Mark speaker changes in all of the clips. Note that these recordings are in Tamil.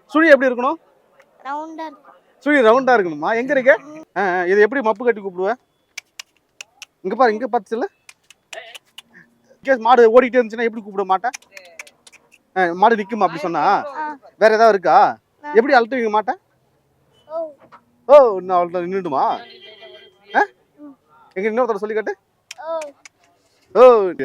Speaker 1: சுழி எப்படி இருக்கணும்?
Speaker 2: ரவுண்டா இருக்கும்.
Speaker 1: சுழி ரவுண்டா இருக்கணுமா? எங்க இருக்கு? இது எப்படி மப்பு கட்டி கூப்பிடுவ? இங்க பாரு, இங்க பாத்துச்சுல. கேஸ் மாடு ஓடிட்டே இருந்துச்சுன்னா எப்படி கூப்பிட மாட்டேன்? மாடு நிக்குமா அப்படி சொன்னா? வேற ஏதாவது இருக்கா? எப்படி அழுத்துவீங்க மாட்டேன்? ஓ இன்னும் அவ்வளோ நின்றுடுமா? எங்க இன்னொருத்தர சொல்லி காட்டு. ஓ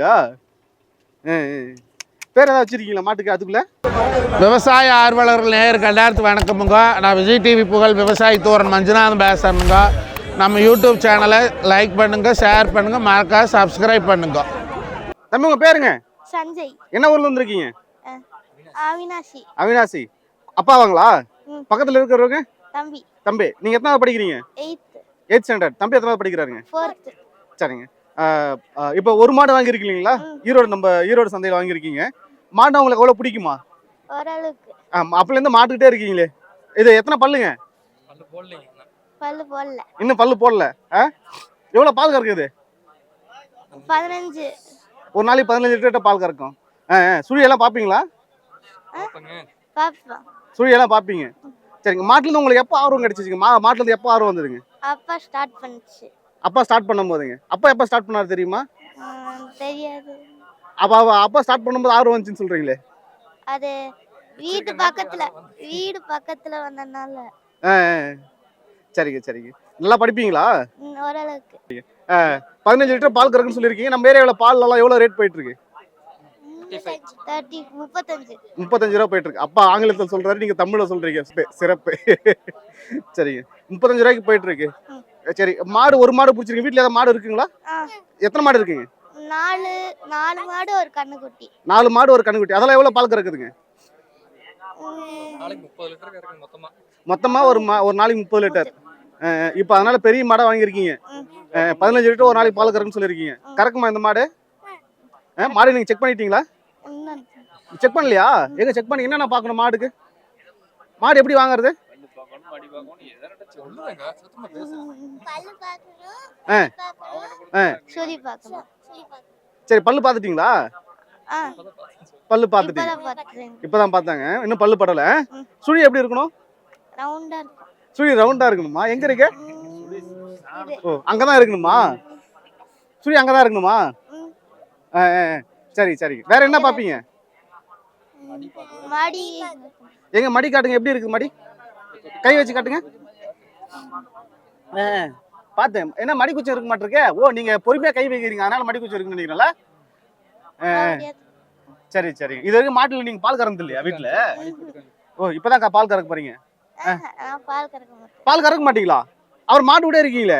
Speaker 1: பேர் ஏதாவது வச்சிருக்கீங்களா மாட்டுக்கு? அதுக்குள்ள
Speaker 3: விவசாய ஆர்வலர்கள் நேயருக்கு எல்லாருக்கும் வணக்கமுங்க. நான் விஜய் டிவி புகழ் விவசாயி தோரன் மஞ்சுநாதன் பேசுறேனுங்க. நம்ம யூடியூப் சேனலை லைக் பண்ணுங்க, ஷேர் பண்ணுங்க, மறக்காம சப்ஸ்கிரைப் பண்ணுங்க.
Speaker 1: தம்பி உங்க பேருங்க?
Speaker 2: சஞ்சய்.
Speaker 1: என்ன ஊர்ல வந்திருக்கீங்க?
Speaker 2: அவினாசி.
Speaker 1: அவினாசி. அப்பாவாங்களா? பக்கத்துல இருக்கிறவங்க?
Speaker 2: தம்பி.
Speaker 1: தம்பி நீங்க எத்தனாவது படிக்கிறீங்க? 8th standard. தம்பி எத்தனாவது படிக்கிறாருங்க?
Speaker 2: 4th.
Speaker 1: சரிங்க. இப்போ ஒரு மாடு வாங்கியிருக்கீங்களா? ஈரோடு சந்தையில் வாங்கியிருக்கீங்க. மாடு உங்களுக்கு எவ்வளோ பிடிக்குமா?
Speaker 2: ஓரளவுக்கு.
Speaker 1: அப்பல இருந்து மாட்டுக்கிட்டே இருக்கீங்களே, இது எத்தனை பல்லுங்க?
Speaker 2: பல்லு போடல.
Speaker 1: இன்னும் பல்லு போடல. எவ்வளோ பால் கறக்குது?
Speaker 2: 15.
Speaker 1: ஒரு நாளைக்கு 15 லிட்டர் பால் கறக்கும். சுழியெல்லாம் பார்ப்பீங்களா?
Speaker 2: பாப்போம்.
Speaker 1: சுழியெல்லாம் பார்ப்பீங்க. சரிங்க. மாட்டுலேருந்து உங்களுக்கு எப்போ ஆர்வம் கிடைச்சிச்சுங்க? மாட்டுலேருந்து எப்போ ஆர்வம் வந்ததுங்க?
Speaker 2: அப்பா ஸ்டார்ட் பண்ணுச்சு.
Speaker 1: அப்பா ஸ்டார்ட் பண்ணும்போதுங்க. அப்பா எப்போ ஸ்டார்ட் பண்ணாரு தெரியுமா?
Speaker 2: தெரியாது.
Speaker 1: அப்பா ஸ்டார்ட் பண்ணும்போது ஆர்வம் வந்துச்சுன்னு சொல்றீங்களே,
Speaker 2: அது வீடு பக்கத்துல வந்தனால.
Speaker 1: சரிங்க சரிங்க. நல்லா படிப்பீங்களா?
Speaker 2: ஓரளவுக்கு.
Speaker 1: 15 லிட்டர் பால் கறக்குன்னு சொல்லியிருக்கீங்க. நம்ம ஏரியாவில் பால் எல்லாம் எவ்வளோ ரேட் போயிட்டு இருக்கு? 35 ரூபா போயிட்டு இருக்கு. அப்பா ஆங்கிலத்தில் சொல்றாரு, நீங்க தமிழ்ல சொல்றீங்க. சிறப்பு. சரிங்க. 35 ரூபாய்க்கு போயிட்டு இருக்கு. சரி. ஒரு மாடு பிடிச்சிருக்கு. வீட்டுல ஏதாவது மாடு இருக்குங்களா? எத்தனை மாடு இருக்குங்க?
Speaker 2: 4 மாடு ஒரு கண்ணுக்குட்டி.
Speaker 1: 4 மாடு ஒரு கண்ணுக்குட்டி. அதெல்லாம் எவ்வளவு பால் கறக்குதுங்க?
Speaker 4: நாளைக்கு 30 லிட்டர் கறக்குது
Speaker 1: மொத்தமா ஒரு நாளைக்கு 30 லிட்டர். இப்போ அதனால பெரிய மாடா வாங்கியிருக்கீங்க. 15 லிட்டர் ஒரு நாளைக்கு பால் கறக்குன்னு சொல்லியிருக்கீங்க. கறக்குமா இந்த மாடு? மாடு நீங்க செக் பண்ணிட்டீங்களா? செக் பண்ணலையா? எங்க செக் பண்ணி என்னென்ன பார்க்கணும் மாடுக்கு? மாடு எப்படி வாங்குறது? சரி. பல்லு பார்த்துட்டீங்களா? பல்லு பார்த்துட்டீங்க. இப்பதான் பார்த்தாங்க, இன்னும் பல்லு படல. சுழி எப்படி இருக்கணும்? சுழி ரவுண்டா இருக்கணுமா? எங்க இருக்கு? ஓ அங்கதான் இருக்கணுமா? சுழி அங்கதான் இருக்கணுமா? சரி சரி. வேற என்ன பாப்பீங்க? எங்க மடி காட்டுங்க. எப்படி இருக்கு மடி? கை வச்சு காட்டுங்க. பார்த்தேன். என்ன மடி குச்சம் இருக்க மாட்டிருக்கே? ஓ நீங்க பொறுமையா கை வைக்கிறீங்க, அதனால மடி குச்சம் இருக்குன்னு நினைக்கிறீங்களா? சரி சரி. இது வரைக்கும் மாட்டுல நீங்க பால் கறந்து இல்லையா வீட்டுல? ஓ இப்பதான் பால் கறக்க போறீங்க. பால் கறக்க மாட்டீங்களா? அவர் மாட்டு கூட இருக்கீங்களே.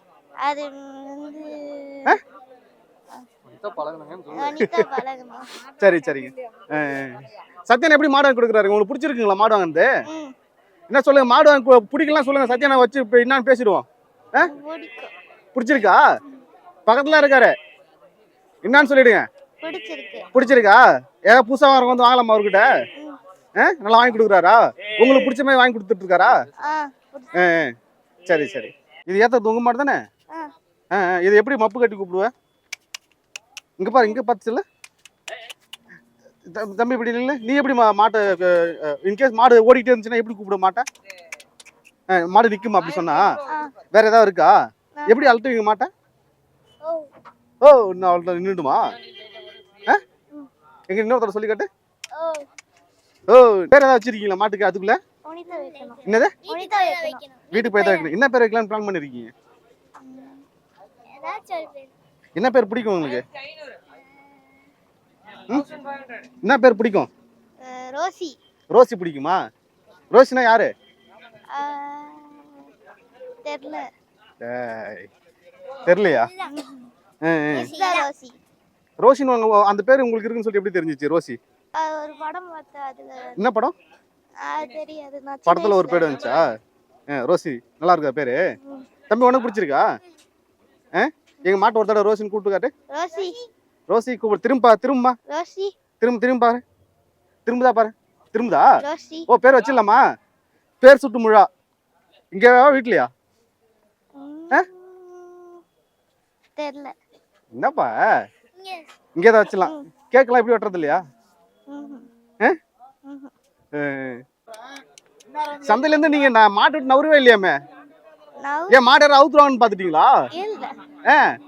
Speaker 1: சரி சரிங்க. சத்யன் எப்படி மாடு வாங்கி கொடுக்குறாரு? உங்களுக்கு பிடிச்சிருக்குங்களா மாடு வாங்கினது? என்ன சொல்லுங்க, மாடு வாங்கி பிடிக்கலாம் சொல்லுங்க. சத்யனை வச்சு இப்போ என்னன்னு பேசிடுவோம். பிடிச்சிருக்கா? பக்கத்துல இருக்காரு, என்னன்னு சொல்லிடுங்க. பிடிச்சிருக்கா? ஏதாவது புதுசா வரவங்க வந்து வாங்கலாமா அவர்கிட்ட? நல்லா வாங்கி கொடுக்குறாரா? உங்களுக்கு பிடிச்ச மாதிரி வாங்கி கொடுத்துட்டு இருக்காரா? சரி சரி. இது ஏத்த தொங்க மாடு தானே? இது எப்படி மப்பு கட்டி கூப்பிடுவேன்? இங்க பாரு, இங்க பாத்துச்சுல. தம்பி இப்படி இல்லை, நீ எப்படி மாட்டை இன்கேஸ் மாடு ஓடிட்டே இருந்துச்சுன்னா எப்படி கூப்பிட மாட்டேன்? மாடு நிக்குமா அப்படி சொன்னா? வேற ஏதாவது இருக்கா? எப்படி அழுத்துவீங்க மாட்டேன்? ஓ இன்னும் அவ்வளோ நின்றுடுமா? எங்க இன்னொருத்தர சொல்லி காட்டு. ஓ பேர் ஏதாவது வச்சிருக்கீங்களா மாட்டுக்கு? அதுக்குள்ள என்னது? வீட்டுக்கு போய் தான் வைக்கணும். என்ன பேர் வைக்கலாம்னு பிளான் பண்ணிருக்கீங்க? என்ன பேர் பிடிக்கும் உங்களுக்கு? என்ன பேர் பிடிக்கும்?
Speaker 2: ரோசி.
Speaker 1: ரோசி பிடிக்குமா? ரோசினா யாரு? தெரியலையா? ரோஷின் அந்த பேர் உங்களுக்கு இருக்குன்னு சொல்லி எப்படி தெரிஞ்சிச்சு? ரோசி
Speaker 2: ஒரு படம் பார்த்தா. அதுல
Speaker 1: என்ன படம்?
Speaker 2: தெரியாது.
Speaker 1: படத்துல ஒரு பேர் வந்துச்சா? ரோசி நல்லா இருக்கா பேரு? தம்பி உனக்கு பிடிச்சிருக்கா? எங்க மாட்டு ஒரு தடவை ரோஷின்னு கூப்பிட்டு காட்டு. ரோசி கூப்பிடு. திரும்ப
Speaker 2: ரோசி.
Speaker 1: திரும்ப பாரு. திரும்புதா பாரு. திரும்புதா? ஓ பேர் வச்சிடலாமா? பேர் சுட்டு முழா. இங்க வீட்லயா?
Speaker 2: தெரியல.
Speaker 1: என்னப்பா இங்கதான் வச்சிடலாம். கேக்கலாம் எப்படி வெட்டுறது இல்லையா? சந்தையில இருந்து நீங்க மாட்டு விட்டு நவரவே இல்லையாமே
Speaker 2: நவ்
Speaker 1: ஏன் மாடு யாரும் அவுத்துருவாங்கன்னு பாத்துட்டீங்களா
Speaker 2: இல்ல
Speaker 1: ஆ